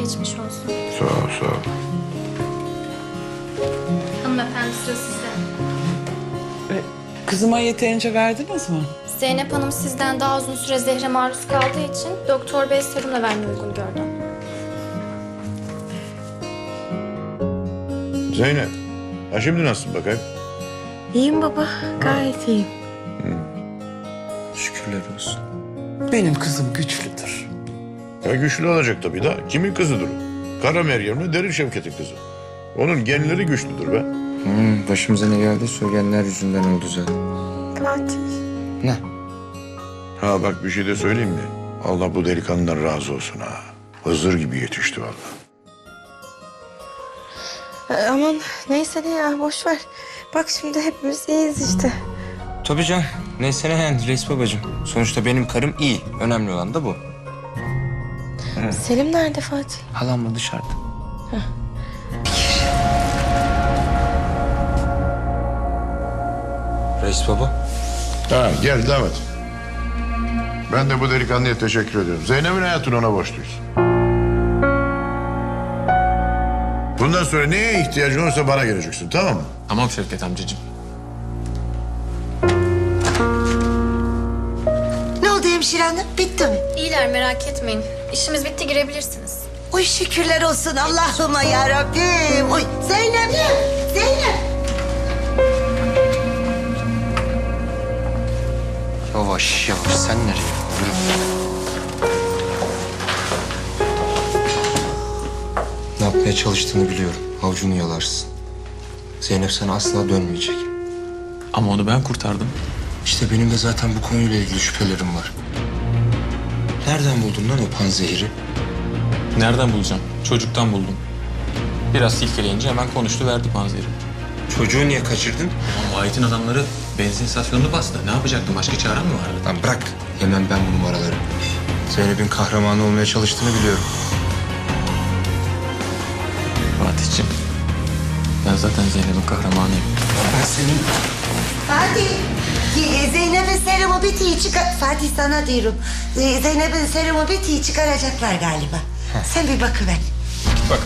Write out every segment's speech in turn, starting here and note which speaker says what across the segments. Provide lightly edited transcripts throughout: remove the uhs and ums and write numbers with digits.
Speaker 1: Geçmiş olsun.
Speaker 2: Sağ ol, sağ ol.
Speaker 1: Hanımefendi sıra sizde.
Speaker 3: Kızıma yeterince verdiniz mi?
Speaker 1: Zeynep Hanım sizden daha uzun süre zehre maruz kaldığı için doktor bey serumla vermeyi uygun gördü.
Speaker 2: Zeynep, ha şimdi nasılsın bakayım?
Speaker 4: İyiyim baba, gayet iyiyim.
Speaker 5: Şükürler olsun.
Speaker 3: Benim kızım güçlüdür.
Speaker 2: Ya güçlü olacak tabii da. Kimin kızıdır o? Kara Meryem'le Derin Şevket'in kızı. Onun genleri güçlüdür be.
Speaker 5: Başımıza ne geldi söyleyenler yüzünden oldu zaten.
Speaker 4: Fatih.
Speaker 5: Ne?
Speaker 2: Ha bak bir şey de söyleyeyim mi? Allah bu delikanlıdan razı olsun ha. Hızır gibi yetişti vallahi.
Speaker 4: Aman neyse ne ya, boş ver. Bak şimdi hepimiz iyiyiz işte.
Speaker 5: Tabii can. Neyse ne yani reis babacığım. Sonuçta benim karım iyi. Önemli olan da bu.
Speaker 4: Selim nerede Fatih?
Speaker 5: Halamla dışarıda. Reis baba.
Speaker 2: Ha gel davet. Ben de bu delikanlıya teşekkür ediyorum. Zeynep'in hayatını ona borçluyuz. Bundan sonra neye ihtiyacın olursa bana geleceksin, tamam mı?
Speaker 6: Tamam Şevket amcacığım.
Speaker 7: Ne oldu hemşire hanım? Bitti mi?
Speaker 1: İyiler merak etmeyin. İşimiz bitti girebilirsiniz.
Speaker 7: Oy şükürler olsun Allah'ıma ya Rabbim. Oy Zeynep, Zeynep.
Speaker 5: Yavaş yavaş sen nereye? Yürü. Ne yapmaya çalıştığını biliyorum. Avucunu yalarsın. Zeynep sana asla dönmeyecek.
Speaker 6: Ama onu ben kurtardım.
Speaker 5: İşte benim de zaten bu konuyla ilgili şüphelerim var. Nereden buldun lan o panzehiri?
Speaker 6: Nereden bulacağım? Çocuktan buldum. Biraz silkeleyince hemen konuştu verdi panzehiri.
Speaker 5: Çocuğu niye kaçırdın?
Speaker 6: Ama Vahit'in adamları benzin istasyonunu bastı. Ne yapacaktım? Başka çarem mi vardı?
Speaker 5: Lan bırak. Yemem ben bu numaraları. Zeynep'in kahramanı olmaya çalıştığını biliyorum.
Speaker 6: Fatih'ciğim. Ben zaten Zeynep'in kahramanıyım.
Speaker 5: Ben senin...
Speaker 7: Fatih. Zeynep'in serumu bitiği çıkar... Fatih sana diyorum. Zeynep'in serumu bitiği çıkaracaklar galiba. Sen bir bakıver.
Speaker 5: Git bak.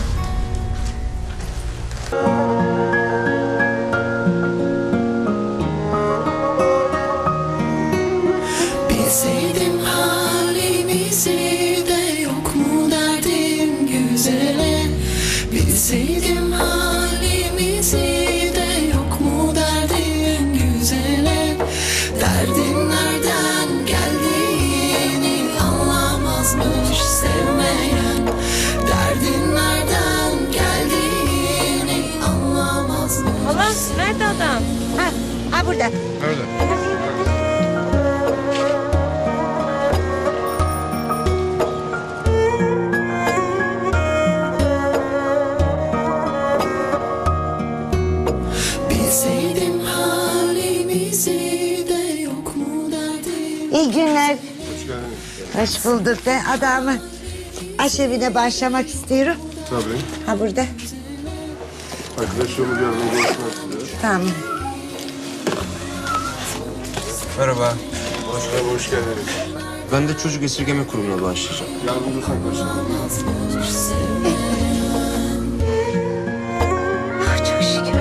Speaker 8: Bilseydim halimizi de yok mu derdim güzele. Bilseydim halimizi de yok mu derdim güzele. Derdin nereden geldiğini anlamazmış sevmeyen. Derdin nereden geldiğini anlamazmış.
Speaker 4: Hala nerede adam?
Speaker 7: Ha burada.
Speaker 2: Öyle.
Speaker 8: Bilseydim halimizi de yok mu derdim.
Speaker 7: İyi günler. Hoş bulduk be adamı. Aşevine başlamak istiyorum.
Speaker 9: Tabii.
Speaker 7: Ha burada.
Speaker 9: Arkadaşlarımız yardımcı olsunlar size.
Speaker 7: Tamam.
Speaker 5: Merhaba.
Speaker 9: Hoş geldiniz.
Speaker 5: Ben de çocuk esirgeme kurumuna başlayacağım.
Speaker 9: Yardımcı olsak
Speaker 7: Ah, çok şükür.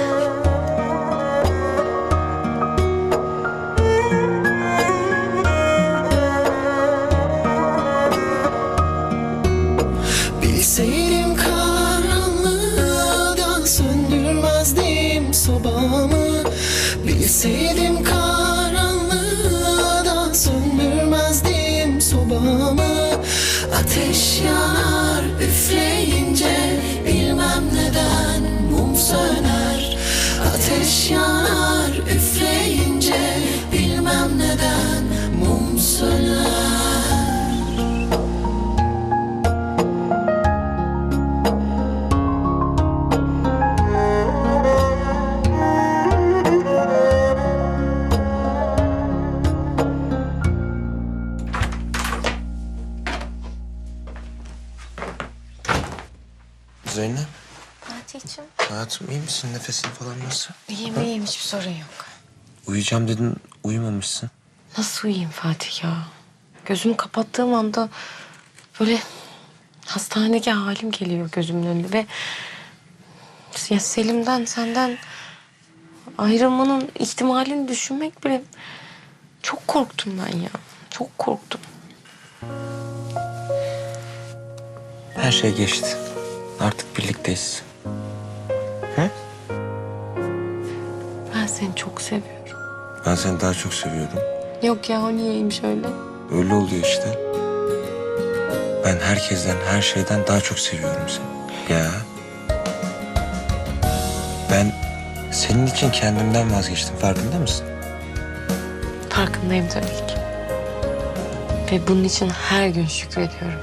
Speaker 8: Bilseydim karanlığı söndürmezdim sobamı. Bilseydim karanlığı söndürmezdim sobamı. Ateş yanar üfleyince bilmem neden mum söner. Ateş yanar üfleyince bilmem neden mum söner.
Speaker 5: Zeynep,
Speaker 4: Fatih'ciğim.
Speaker 5: hayatım iyi misin? Nefesin falan nasıl?
Speaker 4: İyiyim iyiyim, hiçbir sorun yok.
Speaker 5: Uyuyacağım dedin, uyumamışsın.
Speaker 4: Nasıl uyuyayım Fatih ya? Gözümü kapattığım anda böyle hastanedeki halim geliyor gözümün önünde ve ya Selim'den, senden ayrılmanın ihtimalini düşünmek bile çok korktum ben ya. Çok korktum.
Speaker 5: Her şey geçti. Artık birlikteyiz. He?
Speaker 4: Ben seni çok seviyorum.
Speaker 5: Ben seni daha çok seviyorum.
Speaker 4: Yok ya, o niyeymiş öyle?
Speaker 5: Öyle oluyor işte. Ben herkesten, her şeyden daha çok seviyorum seni. Ya. Ben senin için kendimden vazgeçtim. Farkında mısın?
Speaker 4: Farkındayım tabii ki. Ve bunun için her gün şükrediyorum.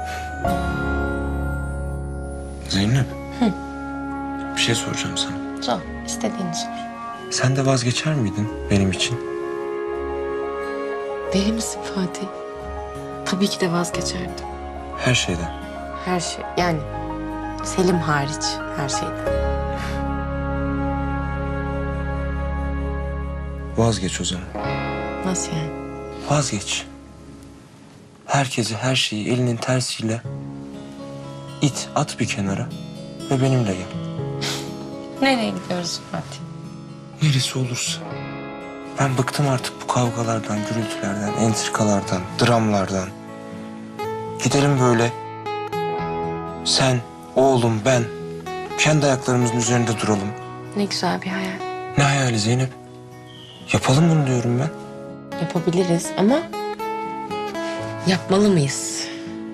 Speaker 5: Zeynep. Bir şey soracağım sana.
Speaker 4: Sor, istediğini sor.
Speaker 5: Sen de vazgeçer miydin benim için?
Speaker 4: Deli misin Fatih? Tabii ki de vazgeçerdim.
Speaker 5: Her şeyden.
Speaker 4: Her şey, yani Selim hariç her şeyden.
Speaker 5: Vazgeç o zaman.
Speaker 4: Nasıl yani?
Speaker 5: Vazgeç. Herkesi, her şeyi elinin tersiyle it, at bir kenara ve benimle gel.
Speaker 4: Nereye gidiyoruz Fatih?
Speaker 5: Neresi olursa. Ben bıktım artık bu kavgalardan, gürültülerden, entrikalardan, dramlardan. Gidelim böyle. Sen, oğlum, ben kendi ayaklarımızın üzerinde duralım.
Speaker 4: Ne güzel bir hayal.
Speaker 5: Ne hayali Zeynep? Yapalım bunu diyorum ben.
Speaker 4: Yapabiliriz ama yapmalı mıyız?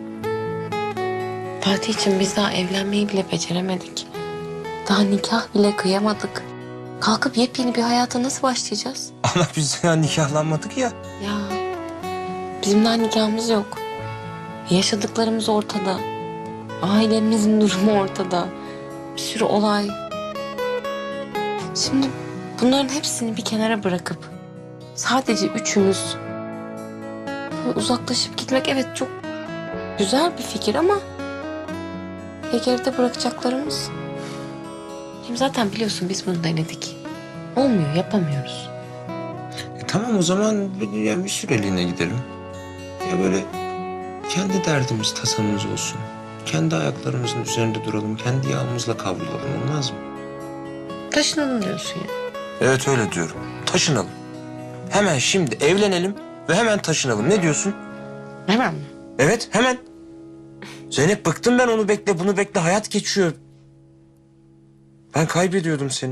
Speaker 4: Fatih için biz daha evlenmeyi bile beceremedik. Daha nikah bile kıyamadık. Kalkıp yepyeni bir hayata nasıl başlayacağız?
Speaker 5: Ama biz ya nikahlanmadık ya.
Speaker 4: Ya bizim daha nikahımız yok. Yaşadıklarımız ortada. Ailemizin durumu ortada. Bir sürü olay. Şimdi bunların hepsini bir kenara bırakıp sadece üçümüz böyle uzaklaşıp gitmek, evet çok güzel bir fikir ama ya geride bırakacaklarımız? Hem zaten biliyorsun biz bunu denedik. Olmuyor, yapamıyoruz.
Speaker 5: Tamam o zaman yani bir süreliğine gidelim. Ya böyle kendi derdimiz, tasamız olsun. Kendi ayaklarımızın üzerinde duralım. Kendi yağımızla kavrulalım, olmaz mı?
Speaker 4: Taşınalım diyorsun ya.
Speaker 5: Evet öyle diyorum. Taşınalım. Hemen şimdi evlenelim ve hemen taşınalım. Ne diyorsun?
Speaker 4: Hemen mi?
Speaker 5: Evet hemen. Zeynep bıktım ben, onu bekle bunu bekle. Hayat geçiyor. Ben kaybediyordum seni.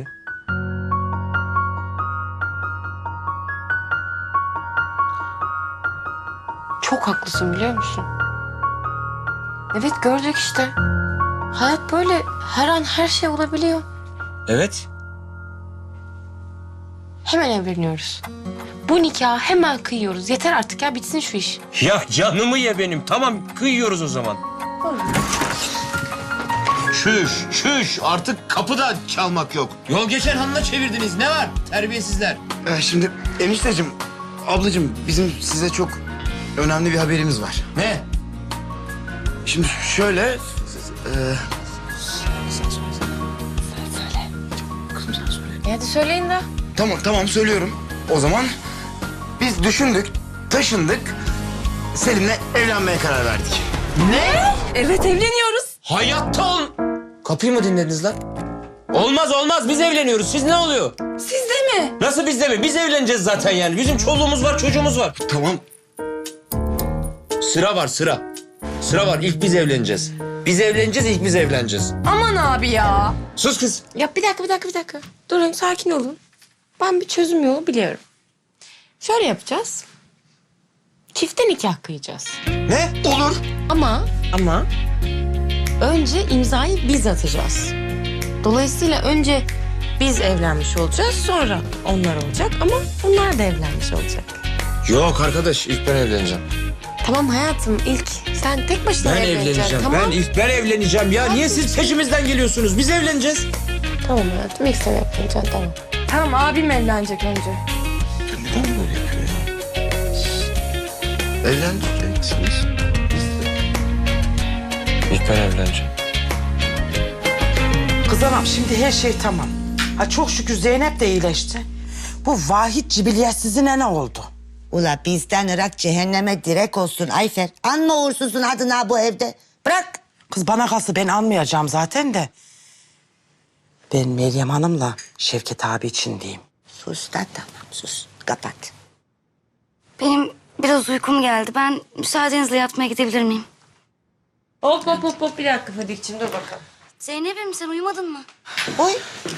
Speaker 4: Çok haklısın biliyor musun? Evet gördük işte. Hayat böyle, her an her şey olabiliyor.
Speaker 5: Evet.
Speaker 4: Hemen evleniyoruz. Bu nikahı hemen kıyıyoruz. Yeter artık ya, bitsin şu iş.
Speaker 5: Ya canımı ye benim. Tamam kıyıyoruz o zaman.
Speaker 10: Şüş artık kapıda çalmak yok. Yol geçen hanına çevirdiniz, ne var terbiyesizler.
Speaker 11: Şimdi enişteciğim, ablacığım bizim size çok önemli bir haberimiz var.
Speaker 10: Ne?
Speaker 11: Şimdi şöyle...
Speaker 4: Hadi söyleyin de.
Speaker 11: Tamam söylüyorum. O zaman biz düşündük, taşındık. Selim'le evlenmeye karar verdik.
Speaker 4: Evet evleniyoruz.
Speaker 10: Hayatta ol... Kapıyı mı dinlediniz lan? Olmaz biz evleniyoruz. Siz ne oluyor?
Speaker 4: Siz de mi?
Speaker 10: Nasıl biz de mi? Biz evleneceğiz zaten yani. Bizim çoluğumuz var, çocuğumuz var.
Speaker 11: Tamam.
Speaker 10: Sıra var sıra. Sıra var, ilk biz evleneceğiz. Biz evleneceğiz, ilk biz evleneceğiz.
Speaker 4: Aman abi ya.
Speaker 10: Sus kız.
Speaker 4: Ya bir dakika. Durun, sakin olun. Ben bir çözüm yolu biliyorum. Şöyle yapacağız. Çifte nikah kıyacağız.
Speaker 11: Ne? Olur.
Speaker 4: Ama önce imzayı biz atacağız. Dolayısıyla önce biz evlenmiş olacağız, sonra onlar olacak ama onlar da evlenmiş olacak.
Speaker 5: Yok arkadaş, ilk ben evleneceğim.
Speaker 4: Tamam hayatım, ilk sen tek başına
Speaker 5: Ben
Speaker 4: evleneceksin.
Speaker 5: evleneceğim.
Speaker 4: Tamam.
Speaker 5: Ben evleneceğim ya. Niye siz peşimizden geliyorsunuz? Biz evleneceğiz.
Speaker 4: Tamam hayatım, ilk sen evleneceksin, tamam. Tamam, abim evlenecek önce.
Speaker 5: Neden böyle yapıyor ya?
Speaker 11: Evleneceksiniz.
Speaker 5: İlk ben evleneceğim.
Speaker 3: Kız anam şimdi her şey tamam. Ha çok şükür Zeynep de iyileşti. Bu Vahit cibiliyetsizine ne oldu?
Speaker 7: Ula bizden Irak cehenneme direk olsun Ayfer. Anma uğursuzun adına bu evde. Bırak
Speaker 3: Kız bana kalsa ben almayacağım zaten de. Ben Meryem Hanım'la Şevket abi için diyeyim.
Speaker 7: Sus da tamam sus. Kapat.
Speaker 12: Benim biraz uykum geldi. Ben müsaadenizle yatmaya gidebilir miyim?
Speaker 4: Hop bir dakika Fadik'ciğim dur bakalım.
Speaker 12: Zeynep'im sen uyumadın mı?
Speaker 7: Oy.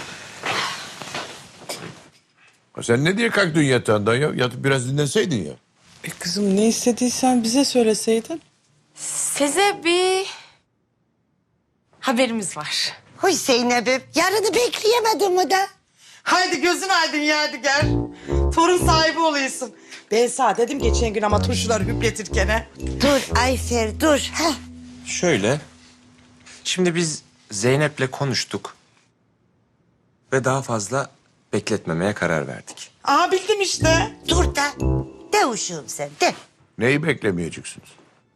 Speaker 2: Sen ne diye kalktın yatağından ya? Yatıp biraz dinlenseydin ya.
Speaker 3: Kızım ne istediysen bize söyleseydin.
Speaker 4: Size bir haberimiz var.
Speaker 7: Oy Zeynep'im. Yarını bekleyemedim mi da?
Speaker 3: Haydi gözün aydın Yadigar. Torun sahibi oluyorsun. Ben sana dedim geçen gün ama turşuları hüpletirken he.
Speaker 7: Dur Ayfer dur. Heh.
Speaker 5: Şöyle. Şimdi biz Zeynep'le konuştuk. Ve daha fazla bekletmemeye karar verdik.
Speaker 3: Aa bildim işte.
Speaker 7: Dur da. De uşuğum sen de.
Speaker 2: Neyi beklemeyeceksiniz?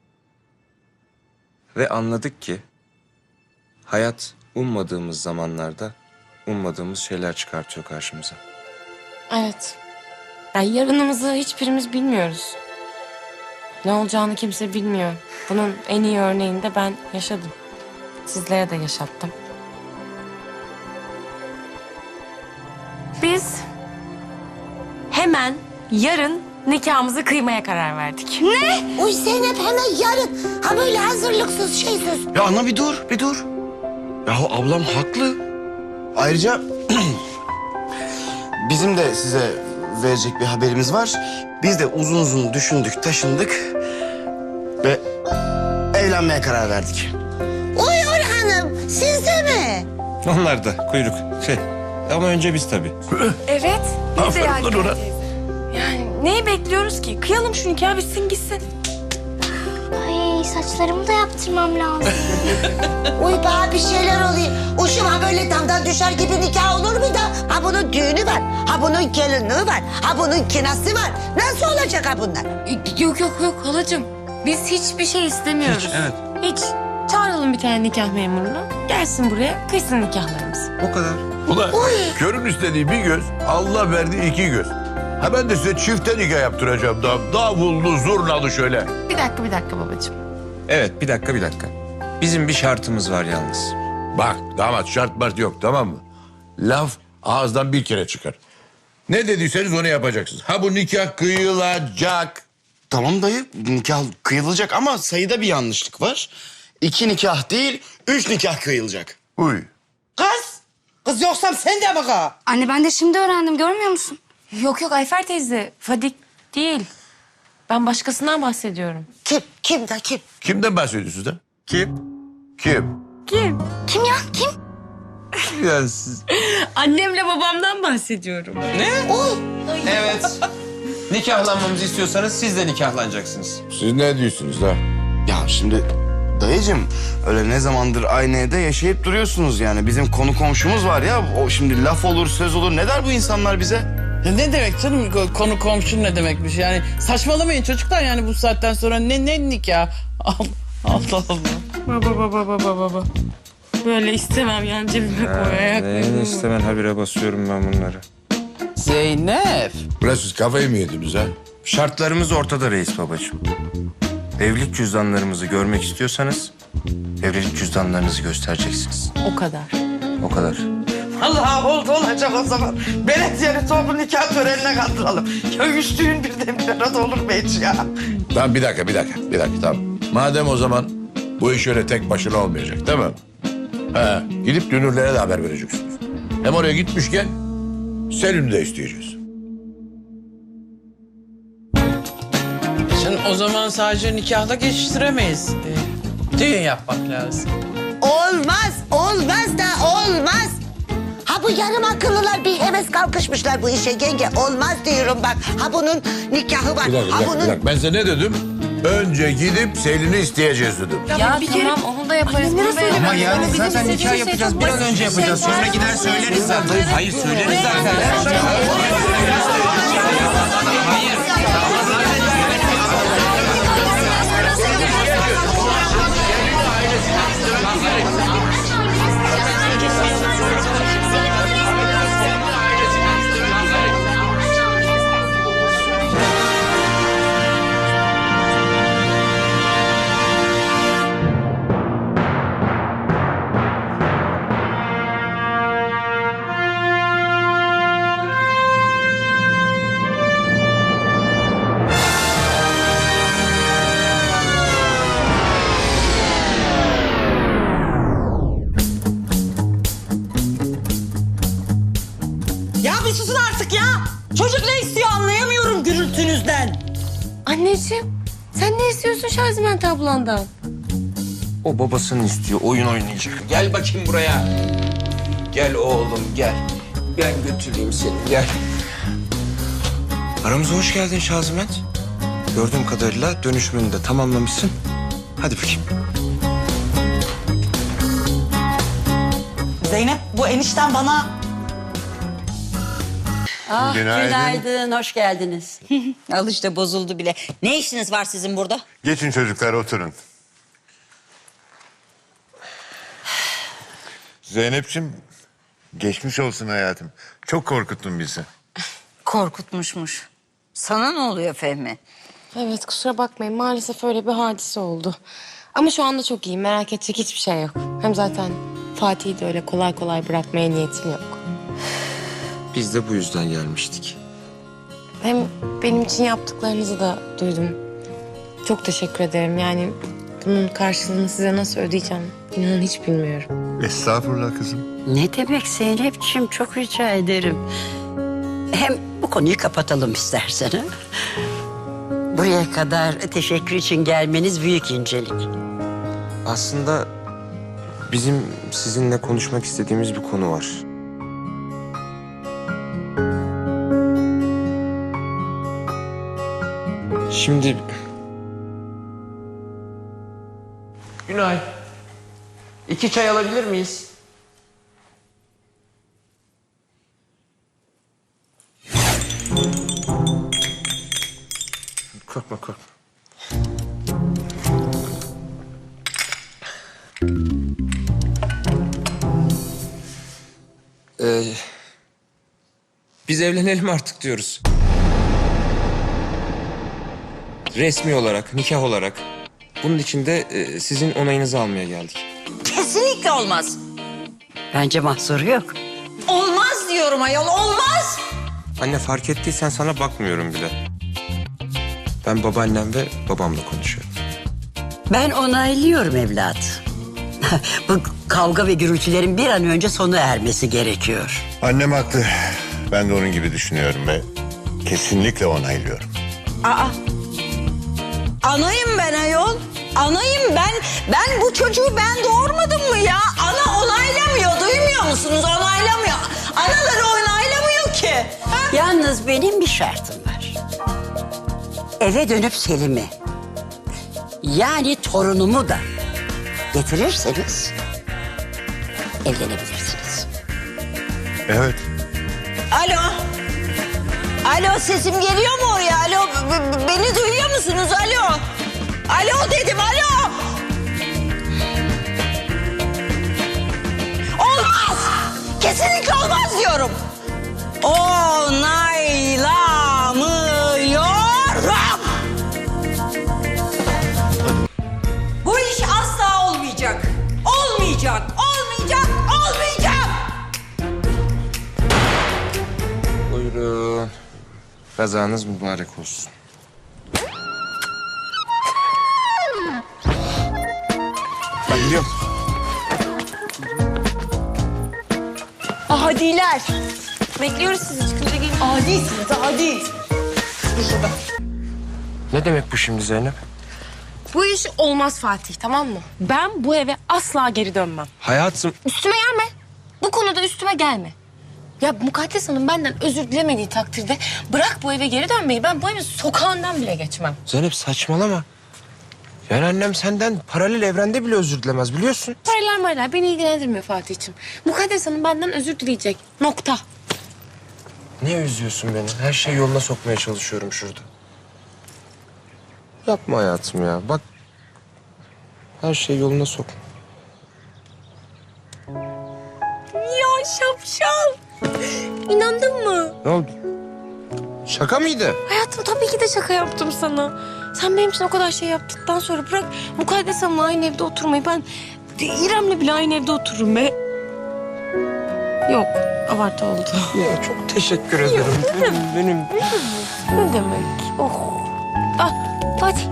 Speaker 5: Ve anladık ki hayat ummadığımız zamanlarda ummadığımız şeyler çıkartıyor karşımıza.
Speaker 4: Evet. Yani yarınımızı hiçbirimiz bilmiyoruz. Ne olacağını kimse bilmiyor. Bunun en iyi örneğini de ben yaşadım. Sizlere de yaşattım. Biz hemen yarın nikahımızı kıymaya karar verdik.
Speaker 7: Ne? Uy Zeynep hemen yarın. Ha böyle hazırlıksız şeysiz.
Speaker 11: Ya ana bir dur. Yahu ablam haklı. Ayrıca bizim de size verecek bir haberimiz var. Biz de uzun uzun düşündük, taşındık ve evlenmeye karar verdik.
Speaker 7: Uy Orhan'ım siz de mi?
Speaker 5: Onlar da kuyruk. Ama önce biz tabii.
Speaker 4: Evet. Biz de
Speaker 2: Aferin lan ona.
Speaker 4: Yani neyi bekliyoruz ki? Kıyalım şu nikah bitsin gitsin.
Speaker 12: Ay saçlarımı da yaptırmam lazım.
Speaker 7: Uy bana bir şeyler oluyor. Uşum ha böyle damdan düşer gibi nikah olur mu da? Ha bunun düğünü var. Ha bunun gelinliği var. Ha bunun kinası var. Nasıl olacak ha bunlar?
Speaker 4: Yok halacığım. Biz hiçbir şey istemiyoruz.
Speaker 5: Hiç, evet.
Speaker 4: Hiç. Çağıralım bir tane nikah memurunu. Gelsin buraya kıysın nikahlarımızı.
Speaker 5: O kadar.
Speaker 2: Ulan körün istediği bir göz, Allah verdiği iki göz. Ha ben de size çifte nikah yaptıracağım. Davullu, zurnalı şöyle.
Speaker 4: Bir dakika babacığım.
Speaker 5: Evet bir dakika. Bizim bir şartımız var yalnız.
Speaker 2: Bak damat şart mart yok tamam mı? Laf ağızdan bir kere çıkar. Ne dediyseniz onu yapacaksınız. Ha bu nikah kıyılacak.
Speaker 11: Tamam dayı, nikah kıyılacak ama sayıda bir yanlışlık var. 2 nikah değil, 3 nikah kıyılacak.
Speaker 2: Uy.
Speaker 3: Kız yoksam sen de mi kız?
Speaker 12: Anne ben de şimdi öğrendim görmüyor musun?
Speaker 4: Yok Ayfer teyze. Fadik değil. Ben başkasından bahsediyorum.
Speaker 7: Kim? Kim da kim?
Speaker 2: Kimden bahsediyorsunuz da?
Speaker 5: Kim?
Speaker 2: Kim?
Speaker 4: Kim?
Speaker 12: Kim ya kim?
Speaker 5: Ya siz...
Speaker 4: Annemle babamdan bahsediyorum.
Speaker 5: Evet. Nikahlanmamızı istiyorsanız siz de nikahlanacaksınız.
Speaker 2: Siz ne diyorsunuz da?
Speaker 11: Ya şimdi dayıcığım öyle ne zamandır aynı evde yaşayıp duruyorsunuz yani. Bizim konu komşumuz var ya, o şimdi laf olur söz olur, ne der bu insanlar bize?
Speaker 3: Ya ne demek canım konu komşu ne demekmiş yani saçmalamayın çocuklar yani bu saatten sonra ne nikah Allah.
Speaker 4: Baba. Böyle istemem yani cebime koy ayaklarımı.
Speaker 5: istemem habire basıyorum ben bunları.
Speaker 3: Zeynep.
Speaker 2: Ulan siz kafayı mı yediniz ha?
Speaker 5: Şartlarımız ortada reis babacığım. Evlilik cüzdanlarımızı görmek istiyorsanız evlilik cüzdanlarınızı göstereceksiniz.
Speaker 4: O kadar.
Speaker 5: O kadar.
Speaker 3: Allah oldu olacak o zaman. Belediyenin toplu nikah törenine kaldıralım. Ya üç düğün birden bir arada olur mu hiç ya?
Speaker 2: Tamam bir dakika tamam. Madem o zaman bu iş öyle tek başına olmayacak değil mi? He, gidip dünürlere de haber vereceksiniz. Hem oraya gitmişken Selim'i de isteyeceğiz.
Speaker 3: Şimdi o zaman sadece nikahla geçiştiremeyiz. Düğün yapmak lazım.
Speaker 7: Olmaz da olmaz. Ha bu yarım akıllılar bir heves kalkışmışlar bu işe yenge. Olmaz diyorum bak. Ha bunun nikahı var.
Speaker 2: Bir dakika. Ben size ne dedim? Önce gidip Selin'i isteyeceğiz dedim.
Speaker 4: Ya bir tamam kere... onu da yaparız.
Speaker 5: Ama yani zaten nikah yapacağız. Bir an önce yapacağız. Sonra gider söyleriz zaten. Hayır söyleriz zaten.
Speaker 13: bir susun artık ya. Çocuk ne istiyor anlayamıyorum gürültünüzden.
Speaker 4: Anneciğim sen ne istiyorsun Şaziment ablandan?
Speaker 5: O babasını istiyor, oyun oynayacak. Gel bakayım buraya. Gel oğlum, gel. Ben götüreyim seni, gel. Aramıza hoş geldin Şaziment. Gördüğüm kadarıyla dönüşümünü de tamamlamışsın. Hadi bakayım.
Speaker 13: Zeynep bu enişten bana...
Speaker 14: Ah,
Speaker 9: Günaydın.
Speaker 14: günaydın, hoş geldiniz. Al işte bozuldu bile. Ne işiniz var sizin burada?
Speaker 9: Geçin çocuklar oturun. Zeynep'ciğim geçmiş olsun hayatım. Çok korkuttun bizi.
Speaker 14: Korkutmuşmuş. Sana ne oluyor Fehmi?
Speaker 4: Evet kusura bakmayın maalesef öyle bir hadise oldu. Ama şu anda çok iyiyim merak edecek hiçbir şey yok. Hem zaten Fatih'i de öyle kolay kolay bırakmaya niyetim yok.
Speaker 5: Biz de bu yüzden gelmiştik.
Speaker 4: Hem benim için yaptıklarınızı da duydum. Çok teşekkür ederim yani bunun karşılığını size nasıl ödeyeceğim inanın hiç bilmiyorum.
Speaker 9: Estağfurullah kızım.
Speaker 14: Ne demek Zeynep'ciğim, çok rica ederim. Hem bu konuyu kapatalım istersen. Ha? Buraya kadar teşekkür için gelmeniz büyük incelik.
Speaker 5: Aslında bizim sizinle konuşmak istediğimiz bir konu var. Şimdi... Günay. 2 çay alabilir miyiz? Korkma, korkma. Biz evlenelim artık diyoruz. Resmi olarak, nikah olarak. Bunun için de sizin onayınızı almaya geldik.
Speaker 14: Kesinlikle olmaz. Bence mahsuru yok. Olmaz diyorum ayol, olmaz.
Speaker 5: Anne fark ettiysen sana bakmıyorum bile. Ben babaannem ve babamla konuşuyorum.
Speaker 14: Ben onaylıyorum evlat. Bu kavga ve gürültülerin bir an önce sona ermesi gerekiyor.
Speaker 9: Annem haklı. Ben de onun gibi düşünüyorum ve kesinlikle onaylıyorum.
Speaker 13: Aa, anayım ben ayol. Anayım ben. Ben bu çocuğu ben doğurmadım mı ya? Ana onaylamıyor, duymuyor musunuz? Onaylamıyor. Anaları onaylamıyor ki. Ha?
Speaker 14: Yalnız benim bir şartım var. Eve dönüp Selim'i, yani torunumu da getirirseniz evlenebilirsiniz.
Speaker 9: Evet.
Speaker 13: Alo. Alo, sesim geliyor mu oraya? Alo, beni duyuyor musunuz? Alo. Alo dedim, alo. Olmaz. Kesinlikle olmaz diyorum. Onaylamıyorum. Bu iş asla olmayacak. Olmayacak, olmayacak, olmayacak.
Speaker 5: Buyurun. Kazanız mübarek olsun. Ben gidiyorum.
Speaker 13: Adiler.
Speaker 4: Bekliyoruz sizi çıkınca gelin.
Speaker 13: Adisiniz, adi.
Speaker 5: Ne demek bu şimdi Zeynep?
Speaker 4: Bu iş olmaz Fatih tamam mı? Ben bu eve asla geri dönmem.
Speaker 5: Hayatım...
Speaker 4: Üstüme gelme. Bu konuda üstüme gelme. Ya Mukaddes Hanım benden özür dilemediği takdirde bırak bu eve geri dönmeyi. Ben bu evin sokağından bile geçmem.
Speaker 5: Zeynep saçmalama. Yani annem senden paralel evrende bile özür dilemez biliyorsun.
Speaker 4: Paraylar beni ilgilendirmiyor Fatih'ciğim. Mukaddes Hanım benden özür dileyecek. Nokta.
Speaker 5: Niye üzüyorsun beni? Her şeyi yoluna sokmaya çalışıyorum şurada. Yapma hayatım ya. Bak her şeyi yoluna sok.
Speaker 4: Ya şapşal. İnandın mı?
Speaker 5: Ne oldu? Şaka mıydı?
Speaker 4: Hayatım tabii ki de şaka yaptım sana. Sen benim için o kadar şey yaptıktan sonra bırak Mukaddes Hanım'la aynı evde oturmayı. Ben İrem'le bile aynı evde otururum be. Yok, abartı oldu.
Speaker 5: Ya çok teşekkür ederim. Benim.
Speaker 4: Ne demek? Oh. Ah, Fatih.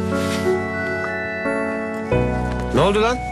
Speaker 5: Ne oldu lan?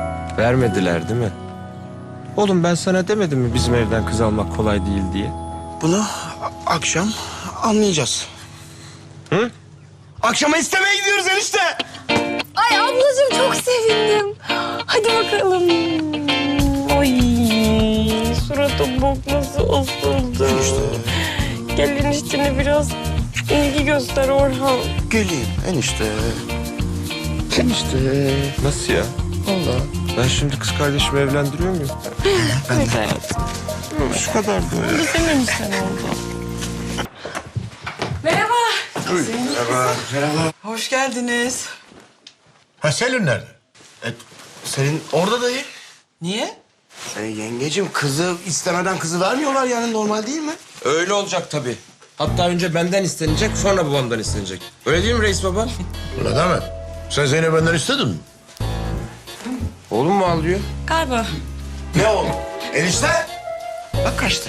Speaker 5: Vermediler değil mi? Oğlum ben sana demedim mi bizim evden kız almak kolay değil diye?
Speaker 11: Bunu akşam anlayacağız. Hı? Akşama istemeye gidiyoruz enişte.
Speaker 4: Ay ablacığım çok sevindim. Hadi bakalım. Ay suratım bok nasıl asıldı. Gel eniştene biraz ilgi göster Orhan.
Speaker 5: Geleyim enişte. Enişte. Nasıl ya? Vallahi. Ben şimdi kız kardeşimi evlendiriyor muyum?
Speaker 4: Evet hayatım.
Speaker 5: Şu kadar da.
Speaker 4: Bizim enişten oldu.
Speaker 3: Merhaba.
Speaker 5: Merhaba.
Speaker 3: Hoş geldiniz.
Speaker 2: Ha Selin nerede?
Speaker 11: Senin orada dayı.
Speaker 3: Niye?
Speaker 11: Yengecim kızı istemeden kızı vermiyorlar yani normal değil mi?
Speaker 5: Öyle olacak tabii. Hatta önce benden istenecek, sonra babamdan istenecek. Öyle değil mi reis baba?
Speaker 2: Öyle deme. Sen Zeynep benden istedin mi?
Speaker 5: Oğlum mu ağlıyor?
Speaker 4: Galiba.
Speaker 11: Ne oldu? Enişte? Bak kaçtı.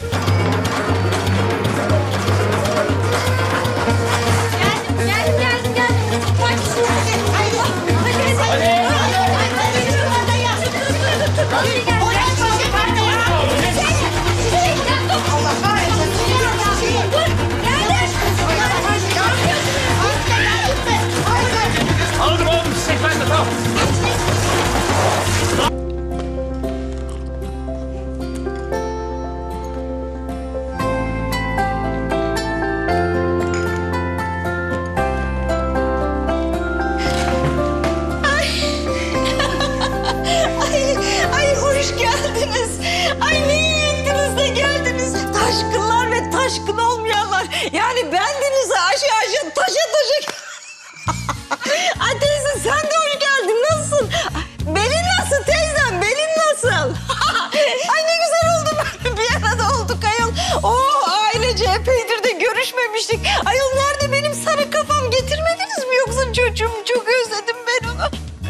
Speaker 1: Geldim. Bak
Speaker 10: Aldım çiçek ben de tamam.
Speaker 13: Ay hoş geldiniz. Ay ne iyi ettiniz de geldiniz. Taşkınlar ve taşkın olmayanlar. Yani bendenize aşı taşa. Ay teyze sen de hoş geldin. Nasılsın? Belin nasıl teyzem? Belin nasıl? Ay ne güzel oldu böyle bir arada olduk ayol. Oh ailece epeydir de görüşmemiştik. Ayol nerede benim sarı kafam getirmediniz mi yoksa çocuğum? Çok özledim ben onu.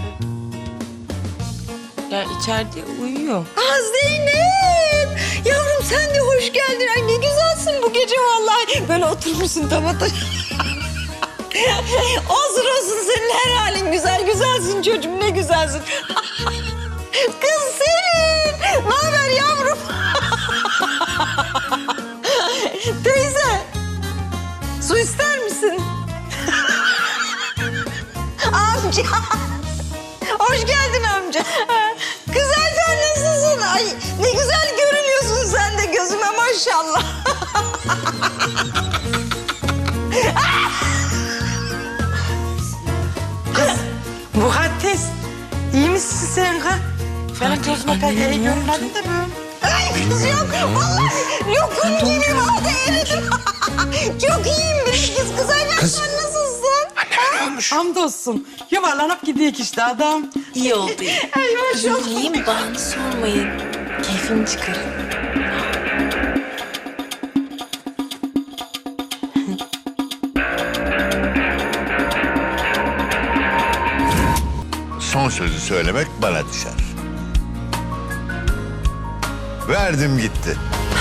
Speaker 4: Ya içeride uyuyor.
Speaker 13: Ah Zeynep! Yavrum sen de hoş geldin. Ay ne güzelsin bu gece vallahi. Böyle oturmuşsun tamata. olsun senin her halin güzel. Güzelsin çocuğum ne güzelsin. Kız Selin! Ne haber yavrum? Teyze! Su ister misin? Amca! Hoş geldin amca. Kız Ayten nasılsın? Ay ne güzel görünüyorsun sen de gözüme maşallah.
Speaker 3: Mukaddes. İyi misin sen ha? Benim gözüme pek iyi görünmedi de böyle.
Speaker 13: Ay kız yok. Vallahi yokum gibi vardı eridim. Çok iyiyim biz kız Ayten sen nasılsın?
Speaker 3: Hamdolsun. Yuvarlanıp gidiyor işte adam.
Speaker 4: İyi oldu.
Speaker 13: Ay maşallah.
Speaker 4: İyiyim bana sormayın. Keyfini çıkarın.
Speaker 9: Son sözü söylemek bana düşer. Verdim gitti.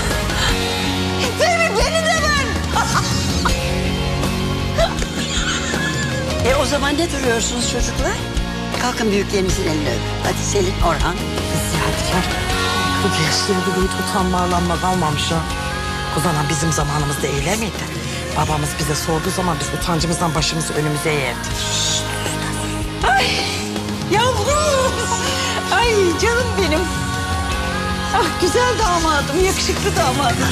Speaker 13: Beni de ver.
Speaker 14: O zaman ne duruyorsunuz çocuklar? Kalkın büyüklerinizin elini öpün. Hadi Selin, Orhan.
Speaker 3: Ziyadikar. 40 yaşlarında hiç utanma arlanma kalmamış ha. Kuzanan bizim zamanımızda öyle miydi? Babamız bize sorduğu zaman biz utancımızdan başımızı önümüze eğerdik.
Speaker 13: Ay yavrum. Ay canım benim. Ah güzel damadım, yakışıklı damadım.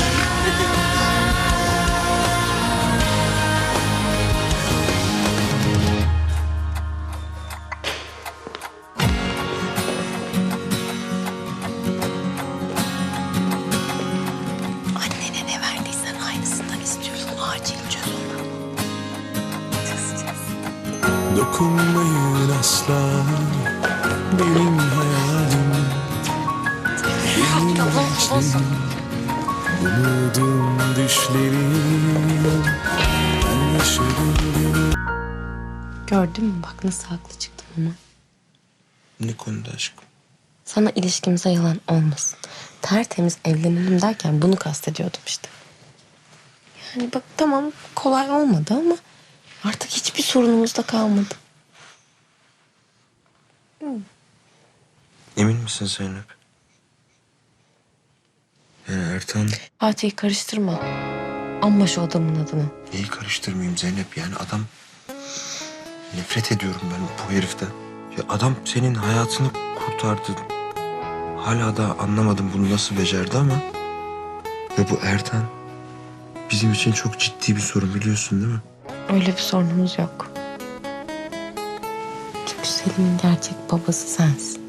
Speaker 4: Annene ne verdiysen aynısından istiyorsun. Acil çöz onu.
Speaker 8: Dokunmayın asla benim hayalim. Benim gençliğim, umudum düşlerim. Ben yaşadım günü.
Speaker 4: Gördün mü bak nasıl haklı çıktım ama.
Speaker 5: Ne konuda aşkım?
Speaker 4: Sana ilişkimize yalan olmasın. Tertemiz evlenelim derken bunu kastediyordum işte. Yani bak tamam kolay olmadı ama artık hiçbir sorunumuz da kalmadı.
Speaker 5: Emin misin Zeynep? Yani Ertan.
Speaker 4: Fatih karıştırma. Anma şu adamın adını.
Speaker 5: Neyi karıştırmayayım Zeynep? Yani adam... Nefret ediyorum ben bu heriften. Ya adam senin hayatını kurtardı. Hala da anlamadım bunu nasıl becerdi ama... Ve bu Ertan... Bizim için çok ciddi bir sorun, biliyorsun değil mi?
Speaker 4: Öyle bir sorunumuz yok. Çünkü Selim'in gerçek babası sensin.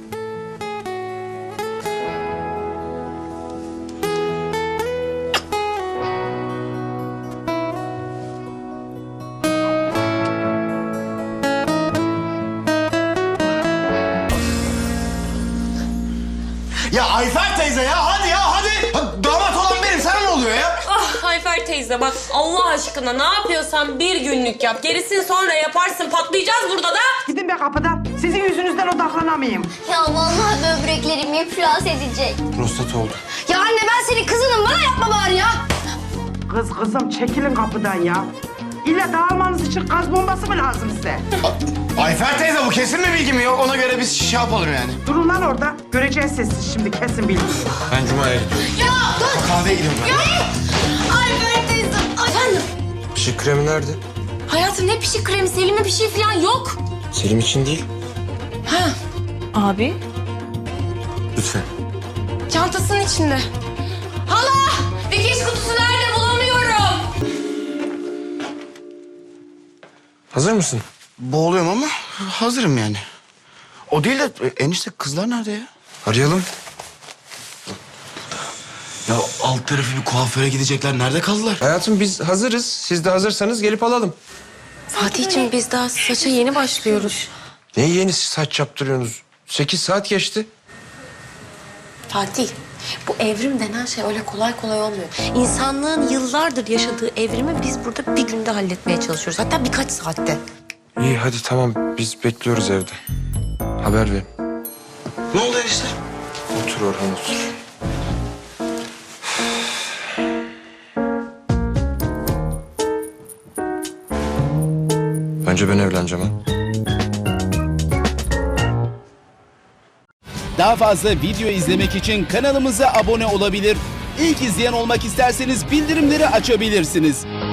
Speaker 10: Ya Ayfer teyze ya hadi ya hadi. Damat olan benim, sana ne oluyor ya?
Speaker 15: Ah Ayfer teyze bak Allah aşkına ne yapıyorsan bir günlük yap. Gerisini sonra yaparsın, patlayacağız burada da.
Speaker 3: Gidin be kapıdan. Sizin yüzünüzden odaklanamayayım.
Speaker 16: Ya vallahi böbreklerim iflas edecek.
Speaker 5: Prostat oldu.
Speaker 16: Ya anne ben senin kızınım, bana yapma bari ya.
Speaker 3: Kızım çekilin kapıdan ya. İlla dağılmanız için gaz bombası mı lazım size?
Speaker 10: Ayfer teyze bu kesin mi bilgi mi yok? Ona göre biz şey yapalım yani.
Speaker 3: Durun lan orada. Göreceğiz siz şimdi kesin bilgi.
Speaker 5: Ben Cuma'ya gidiyorum.
Speaker 16: Ya dur.
Speaker 10: Kahveye gidiyorum ben.
Speaker 16: Ya. Ayfer teyze. Efendim?
Speaker 5: Pişik kremi nerede?
Speaker 15: Hayatım ne pişik kremi, Selim'e bir şey falan yok.
Speaker 5: Selim için değil.
Speaker 15: Ha. Abi?
Speaker 5: Lütfen.
Speaker 15: Çantasının içinde. Hala! Dikiş kutusu nerede, bulamıyorum.
Speaker 5: Hazır mısın?
Speaker 11: Boğuluyorum ama hazırım yani. O değil de enişte kızlar nerede ya?
Speaker 5: Arayalım.
Speaker 10: Ya alt tarafı bir kuaföre gidecekler. Nerede kaldılar?
Speaker 5: Hayatım biz hazırız. Siz de hazırsanız gelip alalım.
Speaker 4: Fatih'ciğim biz daha saça yeni başlıyoruz.
Speaker 5: Ne yeni saç yaptırıyorsunuz? 8 saat geçti.
Speaker 4: Fatih, bu evrim denen şey öyle kolay kolay olmuyor. İnsanlığın yıllardır yaşadığı evrimi biz burada bir günde halletmeye çalışıyoruz. Hatta birkaç saatte.
Speaker 5: İyi hadi tamam biz bekliyoruz evde. Haber ver.
Speaker 10: Ne oldu enişte?
Speaker 5: Otur Orhan otur. Önce ben evleneceğim ha.
Speaker 17: Daha fazla video izlemek için kanalımıza abone olabilir. İlk izleyen olmak isterseniz bildirimleri açabilirsiniz.